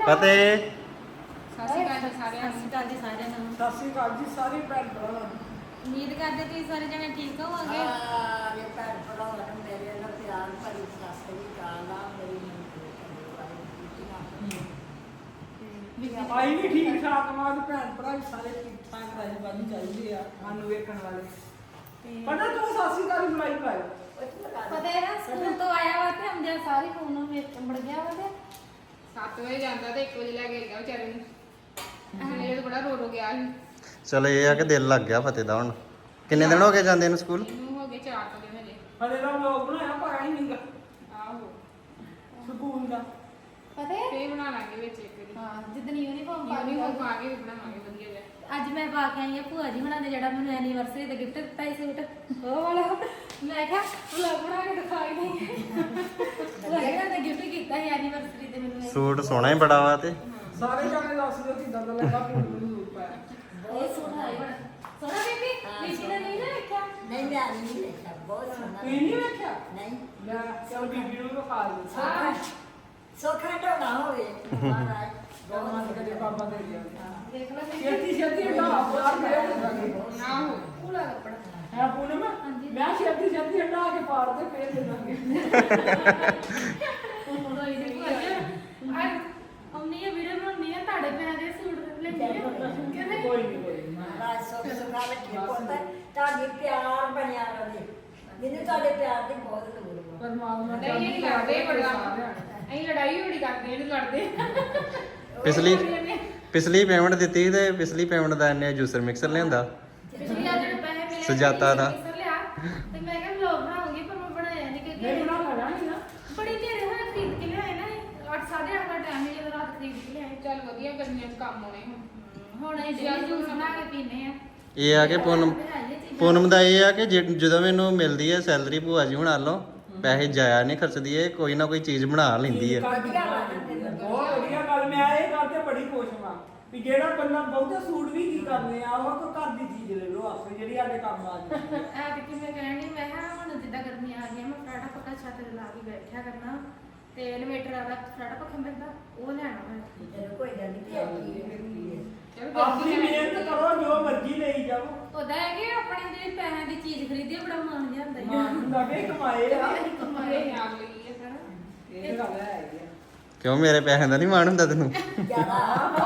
ਫਤਿਹ। ਸਤਿ ਸ਼੍ਰੀ ਅਕਾਲ ਜੀ ਸਾਰਿਆਂ ਨੂੰ। ਸਤਿ ਸਾਰਿਆਂ ਨੂੰ। ਸਤਿ ਸ਼੍ਰੀ ਅਕਾਲ ਜੀ ਸਾਰੇ ਭੈਣ ਭਰਾਵਾਂ ਨੂੰ। ਉਮੀਦ ਕਰਦੇ ਤੁਸੀਂ ਸਾਰੇ ਜਣੇ ਠੀਕ ਹੋਵੋਗੇ। ਇਹ ਭੈਣ ਭਰਾਵਾਂ ਨੂੰ ਮੇਰੇ ਨਾਲ ਪਿਆਰ ਭਰੀ ਸਤਿ ਸ਼੍ਰੀ ਅਕਾਲ ਆ। ਮੇਰੀ ਆਈ ਵੀ ਠੀਕ ਠਾਕ ਮਾਂ ਭੈਣ ਭਰਾ ਵੀ ਸਾਰੇ ਠੀਕ ਠਾਕ ਰਾਜੀ ਬਾਜੀ ਚਾਹੀਦੇ ਆ ਸਾਨੂੰ ਵੇਖਣ ਵਾਲੇ। ਪਤਾ ਤੂੰ ਸਤਿ ਸ਼੍ਰੀ ਅਕਾਲ ਬੁਲਾਈ ਪਾਇਓ। ਪਤਾ ਹੈ ਨਾ ਸਕੂਲ ਤੋਂ ਆਇਆ ਵਾ ਤੇ ਹਮਦਿਆ ਸਾਰੀ ਫੋਨ ਨੂੰ ਵੇਖ ਮੜ ਗਿਆ ਵਾ ਤੇ 7 ਵਜੇ ਜਾਂਦਾ ਤੇ 1 ਵਜੇ ਲੈ ਕੇ ਗਿਆ ਵਿਚਾਰੇ ਨੂੰ। ਮੇਰੇ ਤਾਂ ਬੜਾ ਰੋ ਗਿਆ ਸੀ। ਚਲੋ ਇਹ ਆ ਕਿ ਦਿਲ ਲੱਗ ਗਿਆ ਫਤਿਹ ਦਾ ਹੁਣ। ਕਿੰਨੇ ਦਿਨ ਹੋ ਗਏ ਜਾਂਦੇ ਨੂੰ ਸਕੂਲ? ਇਹਨੂੰ ਹੋ ਗਏ 4 ਦਿਨ ਹਜੇ। ਹਲੇ ਦਾ ਵਲੌਗ ਬਣਾਇਆ ਪਾਇਆ ਹੀ ਨਹੀਂਗਾ ਆਹੋ ਸਕੂਲ ਦਾ। ਪਤਾ ਹੈ ਫੇਰ ਬਣਾ ਲਾਂਗੇ ਵਿੱਚ ਇੱਕ ਵਾਰੀ। ਹਾਂ ਜਿੱਦਣ ਯੂਨੀਫਾਰਮ ਪਾ ਪਾਣੀ ਕੇ ਹੋ ਪਾ ਕੇ ਵੀ ਬਣਾਵਾਂਗੇ ਵਧੀਆ ਜਿਹਾ। ਅੱਜ ਮੈਂ ਪਾ ਕੇ ਆਈ ਆ ਭੂਆ ਜੀ ਹੁਣਾਂ ਨੇ ਜਿਹੜਾ ਮੈਨੂੰ ਐਨੀਵਰਸਰੀ ਤੇ ਗਿਫਟ ਦਿੱਤਾ ਸੀ ਸੂਟ ਉਹ ਵਾਲਾ। ਮੈਂ ਕਿਹਾ ਵਲੌਗ ਬਣਾ ਕੇ ਦਿਖਾਈ ਨਹੀਂ। ਭੂਆ ਜੀ ਨੇ ਗਿਫਟ ਕੀਤਾ ਸੀ ਐਨੀਵਰਸਰੀ ਤੇ ਮੈਨੂੰ ਸੂਟ ਸੋਹਣਾ ਹੀ ਬੜਾ ਵਾ ਤੇ ਸਾਰੇ ਜਾਣੇ ਦੱਸ ਦਿਓ ਕਿਦਾਂ ਦਾ ਲੱਗਾ ਮੈਨੂੰ ਜ਼ਰੂਰ ਪਾਇਆ। ਇਹ ਸੂਟ ਹੈ ਬੜਾ ਸੋਹਣਾ ਬੀਬੀ। ਬੀਬੀ ਨੇ ਨਹੀਂ ਨਾ ਵੇਖਿਆ। ਨਹੀਂ ਮੈਂ ਨਹੀਂ ਦੇਖਿਆ ਬਹੁਤ ਸੋਹਣਾ ਤੁਸੀਂ ਨਹੀਂ ਵੇਖਿਆ? ਨਹੀਂ ਮੈਂ ਚਲ ਬੀਬੀ ਨੂੰ ਵਿਖਾ ਦਿੰਦਾ। ਸੋਖਾ ਢੋਣਾ ਹੋਵੇ ਮਹਾਰਾਜ ਗਰਮਾਨ ਕਰੇ ਬਾਬਾ ਦੇ ਗਿਆ। ਦੇਖ ਲਓ ਬੀਬੀ। ਛੇਤੀ ਛੇਤੀ ਹਟਾ ਬਾਹਰ ਫੇਰ ਦੇਵਾਂਗੇ। ਨਾ ਹੋ ਪੂਰਾ ਕੱਪੜਾ ਹੈ ਪੂਨਮ ਹਾਂਜੀ। ਮੈਂ ਛੇਤੀ ਛੇਤੀ ਹਟਾ ਕੇ ਪਾਰ ਤੇ ਫੇਰ ਦੇ ਦਾਂਗੇ। ਰੋਈ ਦੇ ਭੂਆ ਜੀ ਅੱਜ ਅੰਮੀ ਇਹ ਵੀਡੀਓ ਬਣਾਉਣੀ ਆ ਤੁਹਾਡੇ ਪੈਰਾਂ ਦੇ ਸੂਟ ਲੈਂਦੀ ਆ ਕਹਿੰਦੇ ਕੋਈ ਨਹੀਂ ਮਹਾਰਾਜ ਸੁਖ ਸੁਖਾ ਰੱਖੇ ਪੁੱਤ ਤੁਹਾਡੀ ਪਿਆਰ ਬਣਿਆ ਰਵੇ। ਮੈਨੂੰ ਤੁਹਾਡੇ ਪਿਆਰ ਦੀ ਬਹੁਤ ਲੋੜ ਵਾ। ਪਰਮਾਤਮਾ ਨਹੀਂ ਇਹ ਲੜਦੇ ਬੜਾ। ਅਸੀਂ ਲੜਾਈ ਬੜੀ ਕਰਦੇ ਇਹਨੂੰ ਲੜਦੇ। ਪਿਛਲੀ ਪੇਮੈਂਟ ਦਿੱਤੀ ਤੇ ਪਿਛਲੀ ਪੇਮੈਂਟ ਦਾ ਇਹਨੇ ਜੂਸਰ ਮਿਕਸਰ ਲਿਆਂਦਾ। ਪਿਛਲੀ ਆ ਜਿਹੜੇ ਪੈਸੇ ਮਿਲੇ ਸੁਜਾਤਾ ਦਾ। ਮਿਕਸਰ ਲਿਆ ਤੇ ਮੈਂ ਕਿਹਾ ਵਲੌਗ ਬਣਾਉਂਗੀ ਪਰ ਮੈਂ ਬਣਾਇਆ ਨਹੀਂ ਨਹੀਂ ਕਿਉਂਕਿ ਬਣਾ ਲੈਣਾ ਨਹੀਂ ਨਾ। ਬੜੀ ਦੇਰ ਹੋਇਆ ਖਰੀਦ ਕੇ ਲਿਆਏ ਨਾ 8:30 ਦਾ ਟਾਈਮ ਹੈ ਜਦੋਂ ਰਾਤ ਖਰੀਦ ਕੇ ਲਿਆਏ। ਚੱਲ ਵਧੀਆ ਗਰਮੀਆਂ 'ਚ ਕੰਮ ਆਉਣੇ ਹੁਣ। ਹੁਣ ਇਹ ਜਿਹੜੀ ਜੂਸ ਬਣਾ ਕੇ ਪੀਨੇ ਆ। ਇਹ ਆ ਕਿ ਪੂਨਮ ਦਾ ਇਹ ਆ ਕਿ ਜਦੋਂ ਮੈਨੂੰ ਮਿਲਦੀ ਹੈ ਸੈਲਰੀ ਭੂਆ ਜੀ ਹੁਣਾਂ ਵੱਲੋਂ ਪੈਸੇ ਜਾਇਆ ਨਹੀਂ ਖਰਚਦੀ ਹੈ, ਕੋਈ ਨਾ ਕੋਈ ਚੀਜ਼ ਬਣਾ ਲੈਂਦੀ ਹੈ। ਬਹੁਤ ਵਧੀਆ ਗੱਲ। ਮੈਂ ਇਹ ਗੱਲ ਤੇ ਬੜੀ ਖੁਸ਼ ਹਾਂ ਵੀ ਜਿਹੜਾ ਬੰਦਾ ਬਹੁਤੇ ਸੂਟ ਵੀ ਕੀ ਕਰਨੇ ਆ ਉਹ ਕੋਈ ਘਰ ਦੀ ਚੀਜ਼ ਲੈ ਲਓ ਆਪੇ ਜਿਹੜੀ ਸਾਡੇ ਕੰਮ ਆ ਜਾਏ। ਐ ਕਿ ਮੈਂ ਕਹਿਣੀ ਮੈਂ ਕਿਹਾ ਹੁਣ ਜਿੱਦਾਂ ਗਰਮੀ ਆ ਗਈ ਮੈਂ ਫਰਾਟਾ ਪੱਕਾ ਛੱਤ ਤੇ ਲਾ ਕੇ ਬੈਠਿਆ ਕਰਨਾ ਤੇ ਇਨਵੇਟਰ ਵਾਲਾ ਫਰਾਟਾ ਪੱਖਾ ਮਿਲਦਾ ਉਹ ਲੈਣਾ ਮੈਂ। ਚਲੋ ਕੋਈ ਗੱਲ ਨਹੀਂ ਚਲ ਆਪਣੀ ਮਿਹਨਤ ਕਰੋ ਜੋ ਮਰਜ਼ੀ ਲਈ ਜਾਓ। ਉਹਦਾ ਹੈ ਕਿ ਆਪਣੇ ਜਿਹੜੀ ਪੈਸਿਆਂ ਦੀ ਚੀਜ਼ ਖਰੀਦੀ ਬੜਾ ਮਾਣ ਜਿਹਾ ਹੁੰਦਾ ਮਾਂ ਨੂੰ ਲੱਗੇ ਕਮਾਏ ਆ। ਕਮਾਏ ਆਪ ਲਈ ਹੈ ਸਾਰਾ। ਇਹ ਗੱਲ ਹੈ ਜੀ। ਕਿਉਂ ਮੇਰੇ ਪੈਸਿਆਂ ਦਾ ਨਹੀਂ ਮਾਣ ਹੁੰਦਾ ਤੈਨੂੰ? ਜਿਆਦਾ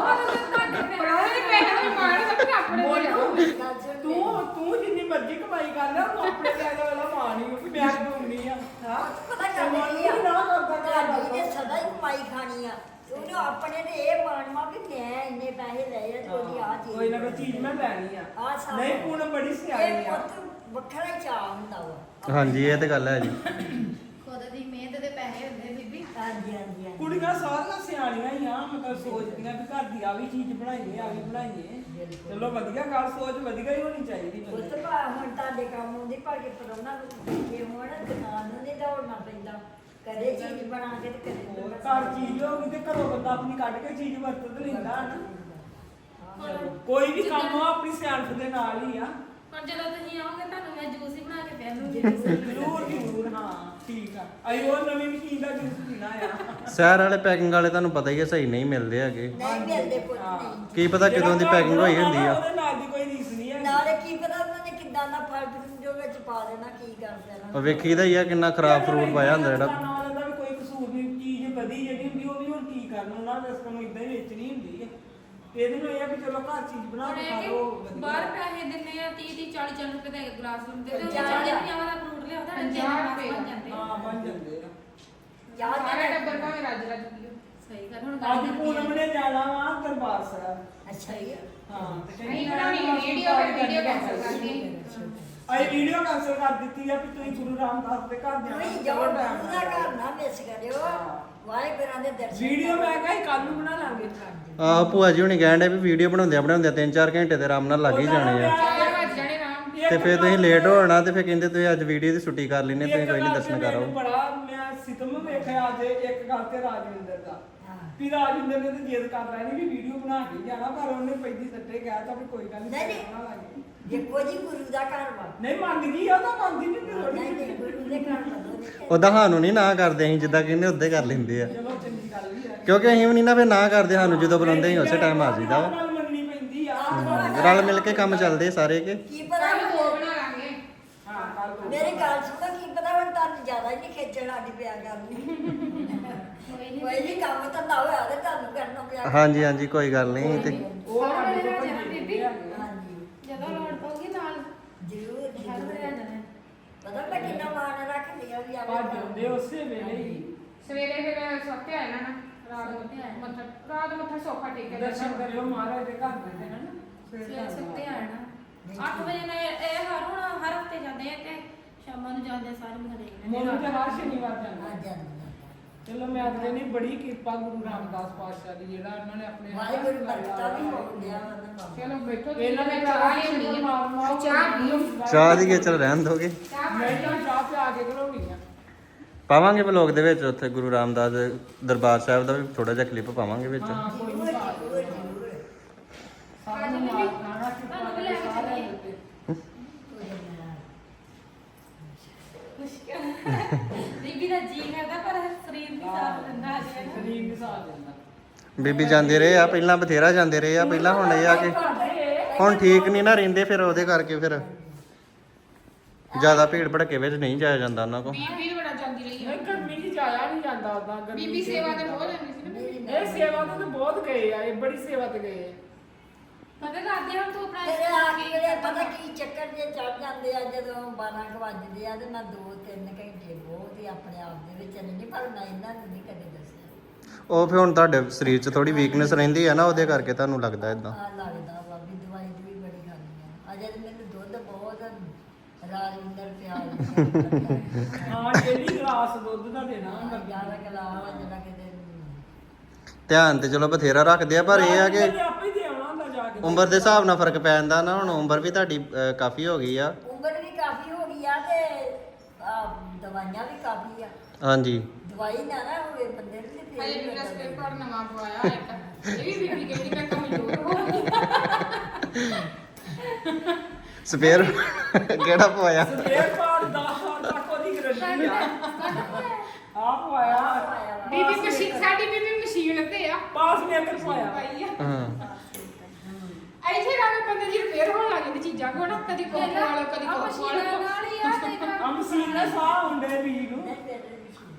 ਪੜਾਉਣੇ ਪੈਸੇ ਵੀ ਮਾਰ ਸਕਦੇ ਆਪਣੇ ਦੇ। ਤੂੰ ਜਿੰਨੀ ਮਰਜ਼ੀ ਕਮਾਈ ਕਰ ਲੈ ਉਹ ਆਪਣੇ ਪੈਸੇ ਵਾਲਾ ਮਾਂ ਨਹੀਂ ਕਿ ਮੈਂ ਕਮਾਉਣੀ ਆ। ਹਾਂ ਪਤਾ ਗੱਲ ਕੀ ਆ ਨਾ ਕਰਦਾ ਤੁਹਾਡੀ ਨੇ ਸਦਾ ਹੀ ਕਮਾਈ ਖਾਣੀ ਆ। ਉਹਨੇ ਆਪਣੇ ਨੇ ਇਹ ਮਾਣਵਾ ਵੀ ਮੈਂ ਇੰਨੇ ਪੈਸੇ ਲਏ ਆ ਤੇ ਉਹਦੀ ਆ ਚੀਜ਼ ਕੋਈ ਨਾ ਕੋਈ ਚੀਜ਼ ਮੈਂ ਲੈਣੀ ਆ। ਆ ਸਭ ਨਹੀਂ ਪੂਨਮ ਬੜੀ ਸਿਆਣੀ ਇਹ ਆ। ਪੁੱਤ ਵੱਖਰਾ ਹੀ ਚਾਅ ਹੁੰਦਾ ਵਾ। ਹਾਂਜੀ ਇਹ ਤੇ ਗੱਲ ਹੈ ਜੀ। ਖੁਦ ਦੀ ਮਿਹਨਤ ਦੇ ਪੈਸੇ ਹੁੰਦੇ ਬੀਬੀ। ਹਾਂਜੀ ਹਾਂਜੀ ਹਾਂਜੀ। ਕੁੜੀਆਂ ਸਾਰੀਆਂ ਸਿਆਣੀਆਂ ਹੀ ਆ ਮਤਲਬ ਸੋਚਦੀਆਂ ਵੀ ਘਰ ਦੀ ਆ ਵੀ ਚੀਜ਼ ਬਣਾਈਏ ਆ ਵੀ ਬਣਾਈਏ। ਚਲੋ ਵਧੀਆ ਗੱਲ ਸੋਚ ਵਧੀਆ ਹੀ ਹੋਣੀ ਚਾਹੀਦੀ ਪੁੱਤ ਬੰਦੇ ਦੀ। ਭਾ ਹੁਣ ਤੁਹਾਡੇ ਕੰਮ ਆਉਂਦੀ ਭਾਗੇ ਪਰੋਣਾ ਨੂੰ ਦੇਖੇ ਹੋਣ ਦੁਕਾਨ ਨੂੰ ਨਹੀਂ ਦੌੜਨਾ ਪੈਂਦਾ। ਕਦੇ ਚੀਜ਼ ਬਣਾ ਕੇ ਤੇ ਕਦੇ ਹੋਰ ਬੰਦਾ ਘਰ ਚੀਜ਼ ਹੋਊਗੀ ਤੇ ਘਰੋਂ ਬੰਦਾ ਆਪਣੀ ਕੱਢ ਕੇ ਚੀਜ਼ ਵਰਤ ਲੈਂਦਾ ਨਾ। ਕੋਈ ਵੀ ਕੰਮ ਆ ਆਪਣੀ ਸਿਆਣਪ ਦੇ ਨਾਲ ਹੀ ਆ। ਹੁਣ ਜਦੋਂ ਤੁਸੀਂ ਆਓਗੇ ਤੁਹਾਨੂੰ ਮੈਂ ਜੂਸ ਹੀ ਬਣਾ ਕੇ ਪਿਆਉਂਗੀ। ਜ਼ਰੂਰ ਜ਼ਰੂਰ ਹਾਂ ਠੀਕ ਆ। ਅਸੀਂ ਉਹ ਨਵੀਂ ਮਸ਼ੀਨ ਦਾ ਜੂਸ ਪੀਣਾ ਆ। ਸ਼ਹਿਰ ਵਾਲੇ ਪੈਕਿੰਗ ਵਾਲੇ ਤੁਹਾਨੂੰ ਪਤਾ ਹੀ ਹੈ ਸਹੀ ਨਹੀਂ ਮਿਲਦੇ ਹੈਗੇ। ਨਹੀਂ ਮਿਲਦੇ ਪੁੱਤ ਨਹੀਂ। ਕੀ ਪਤਾ ਕਦੋਂ ਦੀ ਪੈਕਿੰਗ ਹੋਈ ਹੁੰਦੀ ਆ। ਉਹਦੇ ਨਾਲ ਦੀ ਕੋਈ ਰੀਸ ਨਹੀਂ ਹੈ। ਨਾਲੇ ਕੀ ਪਤਾ ਉਹਨਾਂ ਨੇ ਕਿੱਦਾਂ ਦਾ ਫਲ ਜੋ ਵਿੱਚ ਪਾ ਦੇਣਾ ਕੀ ਕਰ ਦੇਣਾ। ਉਹ ਵੇਖੀਦਾ ਹੀ ਆ ਕਿੰਨਾ ਖਰਾਬ ਫਰੂਟ ਪਾਇਆ ਹੁੰਦਾ ਜਿਹੜਾ। ਨਾਲ ਦਾ ਵੀ ਕੋਈ ਕਸੂਰ ਨਹੀਂ। ਚੀਜ਼ ਵਧੀ ਜਿਹੜੀ ਹੁੰਦੀ ਉਹ ਵੀ ਹੁਣ ਕੀ ਕਰਨਾ ਉਹਨਾਂ ਦੇ ਰਸਤੇ ਨੂੰ ਇਦਾਂ ਹੀ ਵੇਚਣੀ ਹੁੰਦੀ ਹੈ। ਇਹਦੇ ਨੂੰ ਇਹ ਆ ਵੀ ਚਲੋ ਘਰ ਚੀਜ਼ ਬਣਾ ਹੁਣ ਕੇ ਇਹ ਖਾ ਕਿ ਲਓ ਬਾਹਰ ਵਧੀਆ। ਪੈਸੇ ਦਿੰਨੇ ਆ 30 40 ਰੁਪਏ ਦਾ ਗਲਾਸ ਹੁੰਦੇ ਤੇ 50 40 ਰੁਪਏ ਦਾ ਫਰੂਟ ਲਿਆਉਂਦਾ 50 ਰੁਪਏ। ਬਣ ਜਾਂਦੇ ਆ। ਹਾਂ ਬਣ ਜਾਂਦੇ ਆ। ਯਾਦ ਸਾਰਾ ਹੈ ਟੱਬਰ ਭਾਵੇਂ ਰੱਜ ਰੱਜ ਪੀਓ। ਸਹੀ ਗੱਲ ਹੁਣ ਅੱਜ ਗੱਲ ਪੂਨਮ ਨੇ ਜਾਣਾ ਵਾ ਦਰਬਾਰ ਸਾਹਿਬ। ਅੱਛਾ ਜੀ। ਹਾਂ ਤੇ ਅਸੀਂ ਕਹਿੰਦੀ ਬਣਾਉਣੀ ਮੈਂ ਵੀਡੀਓ ਫਿਰ ਵੀਡੀਓ ਕੈਂਸਲ ਕਰਨੀ। ਅਸੀਂ ਵੀਡੀਓ ਕੈਂਸਲ ਕਰ ਦਿੱਤੀ ਆ ਵੀ ਤੁਸੀਂ ਗੁਰੂ ਰਾਮਦਾਸ ਦੇ ਘਰ ਨਹੀਂ ਜਾਣਾ। ਜੋ ਦਾ ਘਰ ਨਾ ਮਿਸ ਕਰਿਓ। ਵਾਹਿਗੁਰਾਂ ਦੇ ਦਰਸ਼ਨ ਵੀਡੀਓ ਮੈਂ ਕਿਹਾ ਕੱਲ ਨੂੰ ਬਣਾ ਲਾਂਗੇ। ਆਹ ਭੂਆ ਜੀ ਹੁਣੀ ਕਹਿਣ ਡੇ ਵੀ ਵੀਡੀਓ ਬਣਾਉਂਦੇ 3-4 ਘੰਟੇ ਤੇ ਆਰਾਮ ਨਾਲ ਲੱਗ ਹੀ ਜਾਣੇ ਆ। 4 ਵਜ ਜਾਣੇ ਰਾਮ। ਤੇ ਫਿਰ ਤੁਸੀਂ ਲੇਟ ਹੋਣਾ ਤੇ ਫਿਰ ਕਹਿੰਦੇ ਤੁਸੀਂ ਅੱਜ ਵੀਡੀਓ ਦੀ ਛੁੱਟੀ ਕਰ ਲੈਨੇ ਤੁਸੀਂ ਕੋਈ ਨਹੀਂ ਦਰਸ਼ਨ ਕਰੋ। ਬੜਾ ਮੈਂ ਸਿਤਮ ਵੇਖਿਆ ਅੱਜ ਇੱਕ ਗੱਲ ਤੇ ਰਾਜਵਿੰਦਰ ਦਾ ਵੀ ਰਾਜਵਿੰਦਰ ਨੇ ਤੇ ਜਿੱਦ ਕਰ ਲੈਣੀ ਵੀ ਵੀਡੀਓ ਬਣਾ ਕੇ ਜਾਣਾ ਪਰ ਉਹਨੇ ਪਹਿਲੀ ਸੱਟੇ ਕਹਿ ਤਾ ਵੀ ਕੋਈ ਗੱਲ ਨਹੀਂ, ਨਹੀਂ ਨਹੀਂ। ਬਣਾ ਲਾਂਗੇ। ਦੇਖੋ ਜੀ ਗੁਰੂ ਦਾ ਘਰ ਵਾ। ਨਹੀਂ ਮੰਨ ਗਈ ਉਹ ਤਾਂ ਮੰਨਦੀ ਨਹੀਂ ਨਹੀਂ ਥੋੜੀ। ਗੁਰੂ ਦੇ ਘਰ ਵਾ। ਉਹਦਾ ਸਾਨੂੰ ਨਹੀਂ ਨਾ ਕਰਦੇ ਅਸੀਂ ਜਿੱਦਾਂ ਕਹਿੰਦੇ ਉਦਾਂ ਹੀ ਕਰ ਲੈਂਦੇ ਆ। ਚਲੋ ਚੰਗੀ ਗੱਲ ਵੀ ਹੈ। ਕਿਉਂਕਿ ਅਸੀਂ ਵੀ ਨਹੀਂ ਨਾ ਫਿਰ ਨਾ ਕਰਦੇ, ਸਾਨੂੰ ਜਦੋਂ ਬੁਲਾਉਂਦੇ ਅਸੀਂ ਉਸੇ ਟਾਈਮ ਆ ਜਾਈਦਾ ਵਾ। ਗੱਲ ਮੰਨਣੀ ਪੈਂਦੀ ਆ ਰਲ ਮਿਲ ਕੇ ਕੰਮ ਚੱਲਦੇ ਸਾਰੇ ਕੇ। ਕੀ ਪਤਾ ਕੱਲ ਦੋ ਬਣਾ ਲਾਂਗੇ। ਹਾਂ ਕੱਲ ਤੋਂ ਮੇਰੀ ਗੱਲ ਸੁਣੋ, ਕੀ ਪਤਾ ਹੁਣ ਤੁਹਾਨੂੰ ਜ਼ਿਆਦਾ ਹੀ ਨਹੀਂ ਖੇਚਣ ਆਡੀ ਪਿਆ ਕਰਨੀ। ਕੋਈ ਨਹੀਂ ਕੰਮ ਤਾਂ ਨਾ ਹੋਇਆ ਤੇ ਤੁਹਾਨੂੰ ਕਰਨਾ ਪਿਆ। ਹਾਂਜੀ ਹਾਂਜੀ ਕੋਈ ਗੱਲ ਨਹੀਂ ਤੇ ਉਹ ਸਾਡੇ ਤੋਂ ਬੀਬੀ। ਭੱਜੇ ਹੈਗੇ ਆ। ਹਾਂਜੀ ਜਦੋਂ ਲੋੜ ਪਊਗੀ ਨਾਲ ਜ਼ਰੂਰ ਹਰ ਵੇਲੇ ਆ ਜਾਣਾ। ਪਤਾ ਮੈਂ ਕਿੰਨਾ ਮਾਣ ਰੱਖਦੀ ਆ ਵੀ ਭੱਜ ਆਵੇ ਜਾਂਦੇ ਉਸੇ ਵੇਲੇ ਹੀ ਸਵੇਰੇ ਫਿਰ ਸੁੱਤੇ ਆਏ ਨਾ ਰਾਤ ਮੱਥਾ ਸੌਖਾ ਟੇਕਿਆ ਦਰਸ਼ਨ ਕਰਿਓ ਮਹਾਰਾਜ ਦੇ ਘਰ ਦੇ ਹਨ ਸਵੇਰੇ ਸੁੱਤੇ ਆਣਾ 8 ਵਜੇ ਨਾਲ ਇਹ ਹਰ ਹਫਤੇ ਜਾਂਦੇ ਆ ਤੇ ਸ਼ਾਮਾਂ ਨੂੰ ਜਾਂਦੇ ਸਾਰੇ ਮਹੀਨੇ ਦੇਖਦੇ ਮੋਨੂ ਤੇ ਹਰ ਸ਼ਨੀਵਾਰ ਆ ਜਾਂਦਾ ਜਾਂਦੀ ਚਲੋ ਮੈਂ ਆਖਦੇ ਨਹੀਂ ਬੜੀ ਕਿਰਪਾ ਗੁਰੂ ਰਾਮਦਾਸ ਪਾਤਸ਼ਾਹ ਦੀ ਜਿਹੜਾ ਇਹਨਾਂ ਨੇ ਆਪਣੇ ਵਾਹਿਗੁਰੂ ਬਰਕਤਾਂ ਵੀ ਹੋ ਗਿਆ ਉਹਨਾਂ ਨੂੰ। ਚਲੋ ਬੈਠੋ ਇਹਨਾਂ ਨੇ ਚਾਹ ਲਿਆਉਣੀ ਆ ਚਾਹ ਪੀਓ ਚਾਹ ਦੀ ਖੇਚਲ ਰਹਿਣ ਦੋਗੇ। ਮੈਂ ਤਾਂ ਚਾਹ ਪਿਆ ਕੇ ਕਰੋਗੀ ਆ ਪਾਵਾਂਗੇ ਵਲੋਗ ਦੇ ਵਿੱਚ ਉੱਥੇ ਗੁਰੂ ਰਾਮਦਾਸ ਦੇ ਦਰਬਾਰ ਸਾਹਿਬ ਦਾ ਵੀ ਥੋੜਾ ਜਿਹਾ ਕਲਿੱਪ ਪਾਵਾਂਗੇ ਵਿੱਚ। ਹਾਂ ਕੋਈ ਜ਼ਰੂਰ ਨਹੀਂ ਜ਼ਰੂਰ ਜ਼ਰੂਰ ਸਾਨੂੰ ਮਾਰ ਖਾਣਾ ਕਿਰਪਾ ਤੁਹਾਨੂੰ ਵੀ ਲੈ ਕੇ ਸਾਰਿਆਂ ਚੱਲੀਏ। ਦੇ ਉੱਤੇ। ਬੀਬੀ ਦਾ ਜੀ ਕਰਦਾ ਪਰ ਸਰੀਰ ਵੀ ਸਾਥ ਦਿੰਦਾ ਆ ਜੀ ਸਰੀਰ ਨਹੀਂ ਸਾਥ ਦਿੰਦਾ ਬੀਬੀ ਜਾਂਦੇ ਰਹੇ ਆ ਪਹਿਲਾਂ, ਬਥੇਰਾ ਜਾਂਦੇ ਰਹੇ ਆ ਪਹਿਲਾਂ, ਹੁਣ ਇਹ ਆ ਕਿ ਹੁਣ ਠੀਕ ਨਹੀਂ ਨਾ ਰਹਿੰਦੇ, ਫਿਰ ਉਹਦੇ ਕਰਕੇ ਫਿਰ ਜ਼ਿਆਦਾ ਭੀੜ ਭੜਕੇ ਵਿੱਚ ਨਹੀਂ ਜਾਇਆ ਜਾਂਦਾ ਉਹਨਾਂ ਕੋਲ। ਬੀਬੀ ਬੜਾ ਜਾਂਦੀ ਰਹੀ ਆ ਨਹੀਂ ਗਰਮੀ 'ਚ ਜਾਇਆ ਨਹੀਂ ਜਾਂਦਾ ਉਦਾਂ ਗਰਮੀ ਬੀਬੀ 'ਚ। ਸੇਵਾ ਤੇ ਬਹੁਤ ਜਾਂਦੀ ਸੀ ਨਾ ਬੀਬੀ। ਇਹ ਸੇਵਾ ਤੇ ਤਾਂ ਬਹੁਤ ਗਏ ਆ ਇਹ ਬੜੀ ਸੇਵਾ ਤੇ ਗਏ ਆ ਪਤਾ ਕਰਦੇ ਹੁਣ ਤੂੰ ਆਪਣਾ ਤੇਰੇ ਆ ਕੇ ਪਤਾ ਕੀ ਚੱਕਰ ਜੇ ਚੜ ਜਾਂਦੇ ਆ ਜਦੋਂ 12 ਕੁ ਵੱਜਦੇ ਆ ਤੇ ਮੈਂ 2-3 ਘੰਟੇ ਬਹੁਤ ਹੀ ਆਪਣੇ ਆਪ ਦੇ ਵਿੱਚ ਨਹੀਂ ਪਰ ਮੈਂ ਇਹਨਾਂ ਨੂੰ ਨਹੀਂ ਕਦੇ ਦੱਸਿਆ। ਉਹ ਫਿਰ ਹੁਣ ਤੁਹਾਡੇ ਸਰੀਰ 'ਚ ਥੋੜੀ ਵੀਕਨੈਸ ਰਹਿੰਦੀ ਹੈ ਨਾ, ਉਹਦੇ ਕਰਕੇ ਤੁਹਾਨੂੰ ਲੱਗਦਾ ਇਦਾਂ। ਆ ਲੱਗਦਾ ਵਾ ਵੀ ਦਵਾਈ ਵੀ ਬੜੀ ਖਾਣੀ ਆ। ਅਜੇ ਤੇ ਮੈਨੂੰ ਦੁੱਧ ਬਹੁਤ ਰਾਜਿੰਦਰ ਪਿਆਰ ਹਾਂ ਡੇਲੀ ਗਲਾਸ ਦੁੱਧ ਦਾ ਦੇਣਾ ਹੁੰਦਾ 11 ਗਲਾਸ ਜਿਹੜਾ ਕਿਤੇ ਧਿਆਨ ਤੇ ਚਲੋ ਬਥੇਰਾ ਰੱਖਦੇ ਆ, ਪਰ ਇਹ ਆ ਕਿ ਆਪੇ ਹੀ ਦੇ ਆਉਣਾ ਹੁੰਦਾ ਜਾ ਕੇ ਉਮਰ ਦੇ ਹਿਸਾਬ ਨਾਲ ਫਰਕ ਪੈ ਜਾਂਦਾ ਨਾ। ਹੁਣ ਉਮਰ ਵੀ ਤੁਹਾਡੀ ਕਾਫੀ ਹੋ ਗਈ ਆ। ਉਮਰ ਵੀ ਕਾਫੀ ਹੋ ਗਈ ਆ ਤੇ ਦਵਾਈਆਂ ਵੀ ਕਾਫੀ ਆ। ਹਾਂਜੀ ਦਵਾਈ ਨਾ ਨਾ ਹੋਵੇ ਬੰਦੇ ਨੂੰ ਤੇ ਹਜੇ ਫੇਰ ਮੇਰਾ ਹੀ ਸਪੇਅਰ ਬੰਦਾ ਪਾਰਟ ਨਵਾਂ ਪਵਾਇਆ ਇੱਕ ਇਹ ਵੀ ਬੀਬੀ ਕਹਿੰਦੀ ਮੈਂ ਕਮਜ਼ੋਰ ਹੋ ਗਈ ਸਪੇਅਰ ਕਿਹੜਾ ਪਵਾਇਆ? ਸਪੇਅਰ ਪਾਰਟ 10 ਸਾਲ ਤੱਕ ਉਹਦੀ ਗਰੰਟੀ ਆ ਆਪ ਆਇਆ ਬੀਬੀ ਮਸ਼ੀਨ ਸਾਡੀ ਬੀਬੀ ਮਸ਼ੀਨ ਤੇ ਆ ਪਾਸ ਮੇਕਰ ਪਾਇਆ ਪਾਈ ਆ ਹਾਂ ਐਸੇ ਰਾਵੇਂ ਬੰਦੇ ਦੀ ਰਿਪੇਅਰ ਹੋਣ ਲੱਗ ਜਾਂਦੀ ਚੀਜ਼ਾਂ ਕੋ ਨਾ ਕਦੀ ਕੋਕ ਵਾਲੋ ਕਦੀ ਆ ਕੋਕ ਮਸ਼ੀਨ ਵਾਲੋ ਨਾਲ ਹੀ ਆ ਤੇ ਇੱਕ ਆ ਮਸ਼ੀਨ ਦਾ ਸਾਹ ਹੁੰਦੇ ਵੀ ਨੂੰ ਨਹੀਂ ਫੇਰ ਵੀ ਮਸ਼ੀਨ।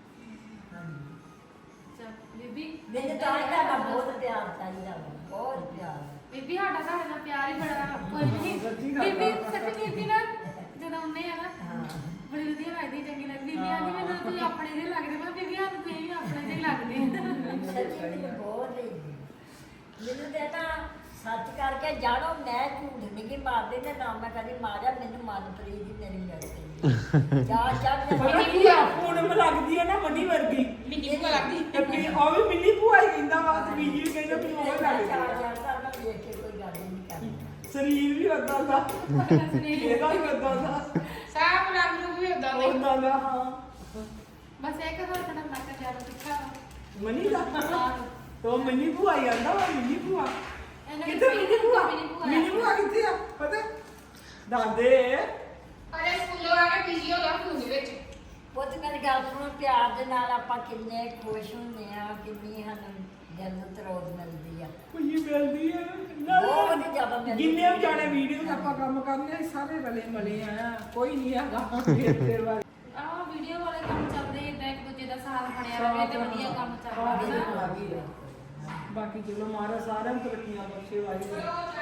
ਚੱਲ, ਬੀਬੀ ਮੈਨੂੰ ਤਾਂ ਇਹਦਾ ਬਹੁਤ ਪਿਆਰ ਚਾਹੀਦਾ ਵਾ, ਬਹੁਤ ਪਿਆਰ। ਬੀਬੀ ਸਾਡਾ ਤੁਹਾਡੇ ਨਾਲ ਪਿਆਰ ਹੀ ਬੜਾ ਵਾ। ਕੋਈ ਨਹੀਂ ਬੀਬੀ ਸੱਚੀ ਬੀਬੀ ਨਾ ਜਦੋਂ ਆਉਂਦੇ ਆ ਨਾ ਹਾਂ ਬੜੀ ਵਧੀਆ ਲੱਗਦੀ ਚੰਗੀ ਲੱਗਦੀ ਬੀਬੀ ਆਂਦੀ ਮੈਨੂੰ ਤੁਸੀਂ ਆਪਣੇ ਦੇ ਲੱਗਦੇ ਮੈਂ ਬੀਬੀ ਸਾਨੂੰ ਤੁਸੀਂ ਵੀ ਆਪਣੇ ਦੇ ਹੀ ਲੱਗਦੇ ਸੱਚੀ ਮੈਨੂੰ ਬਹੁਤ ਲਈ ਮੈਨੂੰ ਤੇ ਨਾ ਸੱਚ ਕਰਕੇ ਜਾਣੋ ਮੈਂ ਝੂਠ ਨਹੀਂ ਕਿ ਮਾਰਦੇ ਨੇ ਨਾ ਮੈਂ ਕਦੀ ਮਾਰਿਆ ਮੈਨੂੰ ਮਨਪ੍ਰੀਤ ਦੀ ਮੇਰੀ ਮਿਲ ਗਈ ਜਾ ਪਤਾ ਕੀ ਆ ਪੂਨਮ ਲੱਗਦੀ ਹੈ ਨਾ ਮੰਡੀ ਵਰਗੀ ਮਿੰਨੀ ਕੋ ਲੱਗਦੀ ਤੇ ਵੀ ਉਹ ਵੀ ਮਿੰਨੀ ਭੂਆ ਹੀ ਕਹਿੰਦਾ ਵਾ ਤੇ ਬੀਜੀ ਵੀ ਕਹਿੰਦਾ ਵੀ ਉਹ ਲੱਗਦੀ ਆ। ਚਾਰ ਸਾਲ ਮੈਂ ਵੇਖ ਕੇ ਕੋਈ ਗੱਲ ਹੀ ਨਹੀਂ ਕਰਦੀ। ਸਰੀਰ ਵੀ ਉਦਾਂ ਦਾ ਇਹਦਾ ਵੀ ਉਦਾਂ ਦਾ ਸਾਬ ਰੰਗ ਨੂੰ ਵੀ ਉਦਾਂ ਦੇ ਉਦਾਂ ਦਾ ਹਾਂ ਬਸ ਇੱਕ ਹੱਥ ਨਾਲ ਨੱਕ ਜ਼ਿਆਦਾ ਤਿੱਖਾ ਮਨੀ ਦਾ ਤੋ ਮਿੰਨੀ ਭੂਆ ਹੀ ਆਂਦਾ ਵਾ ਮਿੰਨੀ ਭੂਆ ਇਹਨਾਂ ਕਿੱਥੇ ਮਿੰਨੀ ਭੂਆ ਭੂਆ ਮਿੰਨੀ ਭੂਆ ਕਿੱਥੇ ਆ ਪਤਾ ਦਾਦੇ ਅਰੇ ਸਕੂਲੋਂ ਆ ਕੇ ਪੀਜੀ ਹੋ ਗਿਆ ਫੋਨ ਵਿੱਚ ਪੁੱਤ ਮੇਰੀ ਗੱਲ ਸੁਣੋ ਪਿਆਰ ਦੇ ਨਾਲ ਆਪਾਂ ਕਿੰਨੇ ਖੁਸ਼ ਹੁੰਦੇ ਆ ਕਿੰਨੀ ਸਾਨੂੰ ਦਿਲ ਨੂੰ ਤਰੋਦ ਮਿਲਦੀ ਆ ਕੁਝ ਮਿਲਦੀ ਹੈ ਬਹੁਤ ਜ਼ਿਆਦਾ ਮਿਲਦੀ ਜਿੰਨੇ ਵੀ ਜਾਣੇ ਵੀਡੀਓ ਆਪਾਂ ਕੰਮ ਕਰਨੇ ਆ ਸਾਰੇ ਰਲੇ ਮਲੇ ਆ ਕੋਈ ਨਹੀਂ ਹੈਗਾ ਫੇਰ ਵਾਲੀ ਆਹ ਵੀਡੀਓ ਵਾਲੇ ਕੰਮ ਚੱਲਦੇ ਇਦਾਂ ਇੱਕ ਦੂਜੇ ਦਾ ਸਾਥ ਬਣਿਆ ਰਹੇ ਤੇ ਵਧੀਆ ਕੰਮ ਚੱਲਦਾ ਹੈ ਬਾਕੀ ਚਲੋ ਮਾਰਾ ਸਾਰਿਆਂ ਨੂੰ ਤਰੱਕੀਆਂ ਬਖਸ਼ੇ ਵਾਹਿਗੁਰੂ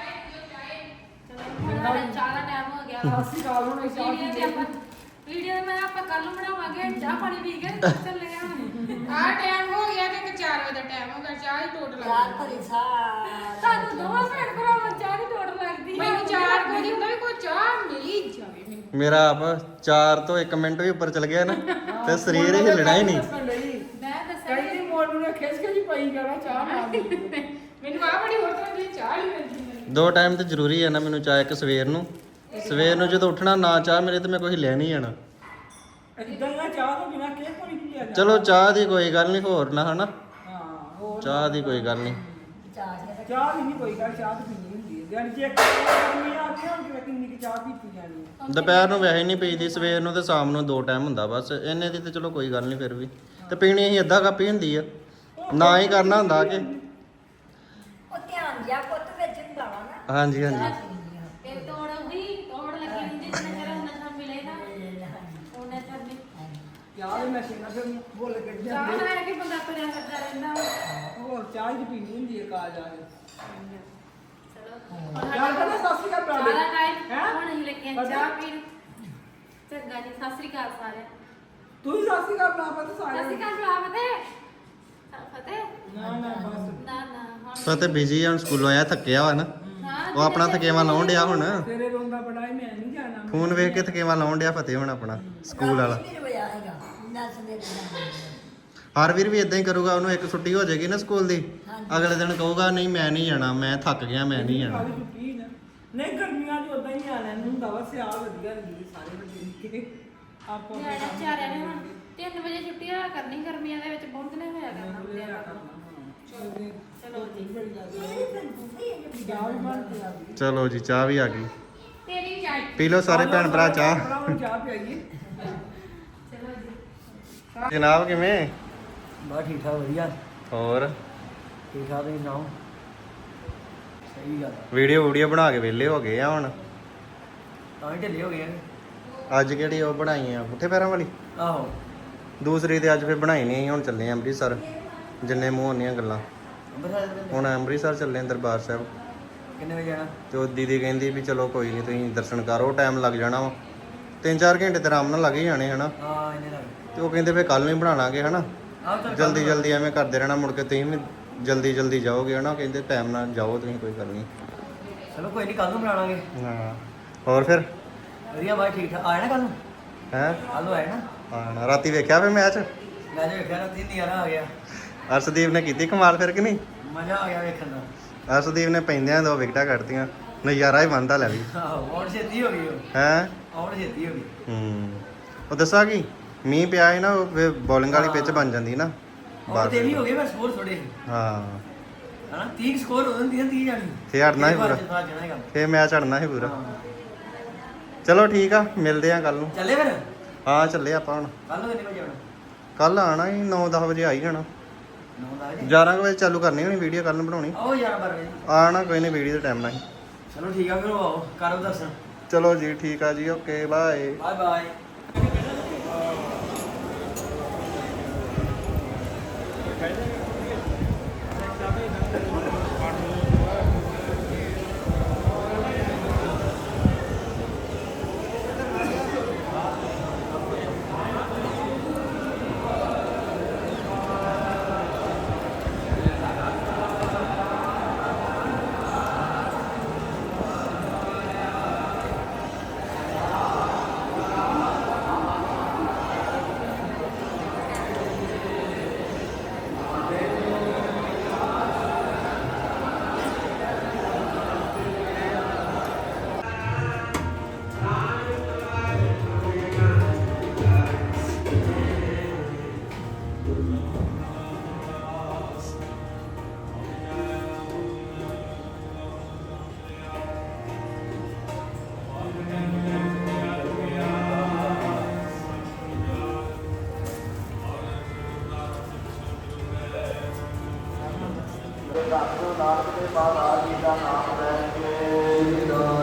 ਚਲੋ ਹੁਣ ਚਾਹ ਦਾ ਟਾਈਮ ਹੋ ਗਿਆ ਵਾ। ਸਤਿ ਸ਼੍ਰੀ ਅਕਾਲ ਹੁਣ ਚਾਹ ਵੀਡੀਓ ਤੇ ਆਪਾਂ ਵੀਡੀਓ ਮੈਂ ਆਪਾਂ ਕੱਲ ਨੂੰ ਬਣਾਵਾਂਗੇ ਚਾਹ ਪਾਣੀ ਪੀ ਕੇ ਚੱਲੇ ਆ ਆਹ ਟਾਈਮ ਹੋ ਗਿਆ ਤੇ 4 ਵਜੇ ਦਾ ਟਾਈਮ ਹੋ ਗਿਆ ਚਾਹ ਹੀ ਟੋਟ ਪਿਆਰ ਲੱਗੀ ਭਰੀ ਸਾਰ ਤੁਹਾਨੂੰ ਦੋਵਾਂ ਭੈਣ ਭਰਾਵਾਂ ਚਾਹ ਦੀ ਟੋੜ ਲੱਗਦੀ ਹੈ ਮੈਨੂੰ 4 ਵਜੇ ਹੁੰਦਾ ਵੀ ਕੋਈ ਚਾਹ ਮਿਲੀ ਜਾਵੇ ਮੈਨੂੰ ਮੇਰਾ ਆਪ 4 ਤੋਂ 1 ਮਿੰਟ ਵੀ ਉੱਪਰ ਚਲ ਗਿਆ ਨਾ ਤੇ ਸਰੀਰ ਹੀ ਹਿੱਲਣਾ ਹੀ ਨਹੀਂ। ਮੈਂ ਦੱਸਿਆ ਕਈ ਦੀ ਮੋੜ ਨੂੰ ਖਿੱਚ ਕੇ ਜੀ ਪਈ ਜਾਣਾ ਚਾਹ ਨਾ ਮੈਨੂੰ ਆ ਬੜੀ ਹੋਰ ਤਰ੍ਹਾਂ ਦੀ ਚਾਹ ਹੀ ਮਿਲਦੀ ਮੈਨੂੰ 2 ਟਾਈਮ ਤੇ ਜ਼ਰੂਰੀ ਹੈ ਨਾ ਮੈਨੂੰ ਚਾਹ, ਇੱਕ ਸਵੇਰ ਨੂੰ ਜਦੋਂ ਉੱਠਣਾ ਨਾ ਚਾਹ ਮੇਰੇ ਤੇ ਮੈਂ ਕੋਈ ਹਿੱਲਿਆ ਨਹੀਂ ਜਾਣਾ। ਇਦਾਂ ਨਾ ਚਾਹ ਤੋਂ ਬਿਨਾ ਕਿਹ ਕੋਈ ਨਹੀਂ ਲਿਆ ਚਲੋ ਚਾਹ ਦੀ ਕੋਈ ਗੱਲ ਨਹੀਂ, ਹੋਰ ਨਾ ਹਨਾ ਹਾਂ ਹੋਰ ਚਾਹ ਦੀ ਕੋਈ ਗੱਲ ਨਹੀਂ। ਚਾਹ ਕੇ ਚਾਹ ਵੀ ਨਹੀਂ ਕੋਈ ਗੱਲ ਚਾਹ ਤਾਂ ਪੀਣੀ ਹੁੰਦੀ ਹੈ ਦਿਨ ਚ ਇੱਕ ਗਰਮੀ ਆ ਕੇ ਹੁਣ ਕਿੰਨੀ ਕਿ ਚਾਹ ਪੀਤੀ ਜਾਣੀ ਹੈ ਦੁਪਹਿਰ ਨੂੰ ਵੈਸੇ ਨਹੀਂ ਪੀਦੀ, ਸਵੇਰ ਨੂੰ ਤੇ ਸ਼ਾਮ ਨੂੰ 2 ਟਾਈਮ ਹੁੰਦਾ ਬਸ। ਇਹਨੇ ਦੀ ਤੇ ਚਲੋ ਕੋਈ ਗੱਲ ਨਹੀਂ, ਫਿਰ ਵੀ ਤੇ ਪੀਣੀ ਅਸੀਂ ਅੱਧਾ ਕੱਪ ਹੀ ਹੁੰਦੀ ਆ। ਉਹ ਨਾ ਹੀ ਕਰਨਾ ਹੁੰਦਾ ਕਿ ਉਹ ਧਿਆਨ ਜਿਆ ਪੁੱਤ ਵਿੱਚ ਹੁੰਦਾ ਵਾ ਨਾ ਹਾਂਜੀ ਹਾਂਜੀ ਤੇ ਤੋੜ ਲੱਗੀ ਹੁੰਦੀ ਜਿੰਨਾ ਚਿਰ ਉਹਨਾਂ ਨੂੰ ਮਿਲੇ ਨਾ ਉਹਨਾਂ ਚਿਰ ਨਹੀਂ ਚਾਹ ਦੇ ਮੈਂ ਸੀਨਾ ਫਿਰ ਬੋਲ ਕੇ ਚਾਹ ਜਾਂਦੇ ਲੈ ਕੇ ਬੰਦਾ ਤੁਰਿਆ ਫਿਰਦਾ ਰਹਿੰਦਾ ਵਾ। ਹੋਰ ਚਾਹ ਹੀ ਪੀਣੀ ਹੁੰਦੀ ਹੈ ਕਾਜ ਆ ਕੇ ਚਲੋ ਯਾਰ ਕਹਿੰਦਾ ਸਤਿ ਸ਼੍ਰੀ ਅਕਾਲ ਸਾਰਾ ਟਾਈਮ ਹੈਂ? ਹੁਣ ਅਸੀਂ ਲੱਗੇ ਆਂ ਚਾਹ ਪੀਣ ਚੰਗਾ ਜੀ ਸਤਿ ਸ੍ਰੀ ਅਕਾਲ ਸਾਰਿਆਂ ਤੂੰ ਹੀ ਸਤਿ ਸ਼੍ਰੀ ਅਕਾਲ ਬਣਾ ਪਾ ਸਤਿ ਸਾਰੇ ਸ੍ਰੀ ਅਕਾਲ ਬੁਲਾ ਫਤਿਹ ਨਾ ਨਾ ਬਸ ਨਾ ਹੁਣ ਫਤਿਹ ਬਿਜੀ ਹੁਣ ਸਕੂਲੋਂ ਆਇਆ ਥੱਕਿਆ ਵਾ ਨਾ ਹਾਂ ਉਹ ਆਪਣਾ ਥਕੇਵਾ ਲਾਉਣ ਡਿਆ ਹੁਣ ਤੇਰੇ ਰੋਂਦਾ ਬੜਾ ਹੀ ਮੈਂ ਨਹੀਂ ਜਾਣਾ ਫੋਨ ਵੇਖ ਕੇ ਥਕੇਵਾ ਲਾਉਣ ਡਿਆ ਫਤਿਹ ਹੁਣ ਆਪਣਾ ਸਕੂਲ ਵਾਲਾ ਵੀ ਰੋਇਆ ਹੈਗਾ ਨੱਸ ਦੇ ਹਰਵੀਰ ਵੀ ਇਦਾਂ ਹੀ ਕਰੂਗਾ ਉਹਨੂੰ ਇੱਕ ਛੁੱਟੀ ਹੋ ਜਾਏਗੀ ਨਾ ਸਕੂਲ ਦੀ ਹਾਂਜੀ। ਅਗਲੇ ਦਿਨ ਕਹੂਗਾ ਨਹੀਂ ਮੈਂ ਨਹੀਂ ਜਾਣਾ ਮੈਂ ਥੱਕ ਗਿਆ ਮੈਂ ਨਹੀਂ ਜਾਣਾ ਕਾਹਦੀ ਛੁੱਟੀ ਨਾ ਨਹੀਂ ਗਰਮੀਆਂ 'ਚ ਉਦਾਂ ਹੀ ਆਣਾ ਨੂੰ ਹੁੰਦਾ ਵਾ ਸਿਆਲ ਵਧੀਆ ਲੱਗਦੀ ਸਾਰੇ ਬੱਚੇ ਨਿੱਕੇ ਆਪੋ ਆਪਣੇ ਨਿਆਣੇ ਕੰਮ ਵਿਚਾਰਿਆਂ ਨੇ ਹੁਣ 3 ਵਜੇ ਛੁੱਟੀ ਹੋਇਆ ਕਰਨੀ ਗਰਮੀਆਂ ਦੇ ਵਿੱਚ ਬਹੁਤ ਨੇ ਹੋਇਆ ਕਰਨਾ ਚਲੋ ਚਲੋ ਜੀ ਚਲੋ ਜੀ ਚਾਹ ਵੀ ਆ ਗਈ ਤੇਰੀ ਵੀ ਆਈ ਪੀ ਲਓ ਸਾਰੇ ਭੈਣ ਭਰਾ ਚਾਹ ਚਾਹ ਪਿਆਈਏ ਚਲੋ ਜੀ ਜਨਾਬ ਕਿਵੇਂ ਬਸ ਠੀਕ ਠਾਕ ਵਧੀਆ ਹੋਰ ਠੀਕ ਠਾਕ ਤੁਸੀਂ ਸੁਣਾਓ ਸਹੀ ਗੱਲ ਵੀਡੀਓ ਬਣਾ ਕੇ ਵਿਹਲੇ ਹੋ ਗਏ ਆ ਹੁਣ ਤਾਂ ਹੀ ਢਿੱਲੇ ਹੋ ਗਏ ਆ। ਅੱਜ ਕਿਹੜੀ ਉਹ ਬਣਾਈ ਆ ਪੁੱਠੇ ਪੈਰਾਂ ਵਾਲੀ ਆਹੋ ਦੂਸਰੀ ਤੇ ਅੱਜ ਫਿਰ ਬਣਾਈ ਨਹੀਂ ਹੁਣ ਚੱਲੇ ਆ ਅੰਮ੍ਰਿਤਸਰ ਜਿੰਨੇ ਮੂੰਹ ਹੁੰਦੀਆਂ ਗੱਲਾਂ ਅੰਮ੍ਰਿਤਸਰ ਦੇ ਹੁਣ ਅੰਮ੍ਰਿਤਸਰ ਚੱਲੇ ਆਂ ਦਰਬਾਰ ਸਾਹਿਬ ਕਿੰਨੇ ਵਜੇ ਜਾਣਾ ਤੇ ਉਹ ਦੀਦੀ ਕਹਿੰਦੀ ਵੀ ਚਲੋ ਕੋਈ ਨਹੀਂ ਤੁਸੀਂ ਦਰਸ਼ਨ ਕਰੋ ਟਾਈਮ ਲੱਗ ਜਾਣਾ ਵਾ 3-4 ਘੰਟੇ ਤੇ ਆਰਾਮ ਨਾਲ ਲੱਗ ਹੀ ਜਾਣੇ ਹਨਾ ਹਾਂ ਇੰਨੇ ਲੱਗ ਤੇ ਉਹ ਕਹਿੰਦੇ ਫਿਰ ਕੱਲ ਨੂੰ ਹੀ ਬਣਾ ਲਾਂਗੇ ਹਨਾ ਆਹ ਚੱਲ ਜਲਦੀ ਐਵੇਂ ਕਰਦੇ ਰਹਿਣਾ ਮੁੜ ਕੇ ਤੁਸੀਂ ਵੀ ਜਲਦੀ ਜਾਓਗੇ ਹਨਾ ਕਹਿੰਦੇ ਟਾਈਮ ਨਾਲ ਜਾਓ ਤੁਸੀਂ ਕੋਈ ਗੱਲ ਨਹੀਂ ਚਲੋ ਕੋਈ ਨਹੀਂ ਕੱਲ ਨੂੰ ਬਣਾ ਲਾਂਗੇ ਹਾਂ ਹੋਰ ਫਿਰ ਵਧੀਆ ਬਾਈ ਠੀਕ ਠਾਕ ਆਇਆ ਨਾ ਕੱਲ ਨੂੰ ਹੈ ਕੱਲ ਨੂੰ ਆਇਆ ਨਾ ਹਾਂ ਰਾਤੀ ਵੇਖਿਆ ਫਿਰ ਮੈਚ ਮੈਂ ਜੇ ਵੇਖਿਆ ਰਾਤੀ ਨਜ਼ਾਰਾ ਆ ਗਿਆ ਅਰਸ਼ਦੀਪ ਨੇ ਕੀਤੀ ਕਮਾਲ ਫਿਰ ਕਿ ਨਹੀਂ ਮਜ਼ਾ ਆ ਗਿਆ ਵੇਖਣ ਦਾ ਅਰਸ਼ਦੀਪ ਨੇ ਪੈਂਦਿਆਂ 2 ਵਿਕਟਾਂ ਕੱਢਤੀਆਂ ਨਜ਼ਾਰਾ ਹੀ ਬੰਦਾ ਲੈ ਵੀ ਆਹੋ ਆਉਣ ਛੇਤੀ ਹੋ ਗਈ ਉਹ ਹੈ ਆਉਣ ਛੇਤੀ ਹੋ ਗਈ ਉਹ ਦੱਸਾਂ ਕੀ ਮੀਂਹ ਪਿਆ ਹੈ ਨਾ ਬੋਲਿੰਗ ਵਾਲੀ ਪਿੱਚ ਬਣ ਜਾਂਦੀ ਨਾ ਔਰ ਤੇ ਵੀ ਹੋ ਗਏ ਮੈਂ ਸਕੋਰ ਥੋੜੇ ਹਾਂ ਹਨਾ 30 ਸਕੋਰ ਹੋ ਜਾਂਦੀ 30 ਜਾਣੀ ਫੇ ਹਟਣਾ ਹੀ ਪੂਰਾ ਜਾਣਾ ਹੈਗਾ ਫੇ ਮੈਚ ਹਟਣਾ ਹੀ ਪੂਰਾ ਹਾਂ। ਚਲੋ ਠੀਕ ਆ ਮਿਲਦੇ ਆ ਕੱਲ ਨੂੰ ਚੱਲੇ ਫਿਰ ਹਾਂ ਚੱਲੇ ਆਪਾਂ ਹੁਣ ਕੱਲ ਨੂੰ ਕਿੰਨੇ ਵਜੇ ਆਉਣਾ ਕੱਲ ਆਣਾ ਹੀ 9-10 ਵਜੇ ਆ ਹੀ ਜਾਣਾ 9 ਵਜੇ 11 ਵਜੇ ਚਾਲੂ ਕਰਨੀ ਹੋਣੀ ਵੀਡੀਓ ਕੱਲ ਨੂੰ ਬਣਾਉਣੀ ਆਓ ਯਾਰ ਵਜੇ ਆਣਾ ਕੋਈ ਨਹੀਂ ਵੀਡੀਓ ਦੇ ਟਾਈਮ ਨਾਲ ਹੀ ਚਲੋ ਠੀਕ ਆ ਫਿਰ ਉਹ ਆਓ ਕਰੋ ਦਰਸ਼ਨ ਚਲੋ ਜੀ ਠੀਕ ਆ ਜੀ okay bye bye bye Nanak ਦੇ ਬਾਬਾ ਜੀ ਦਾ ਨਾਮ ਲੈ ਕੇ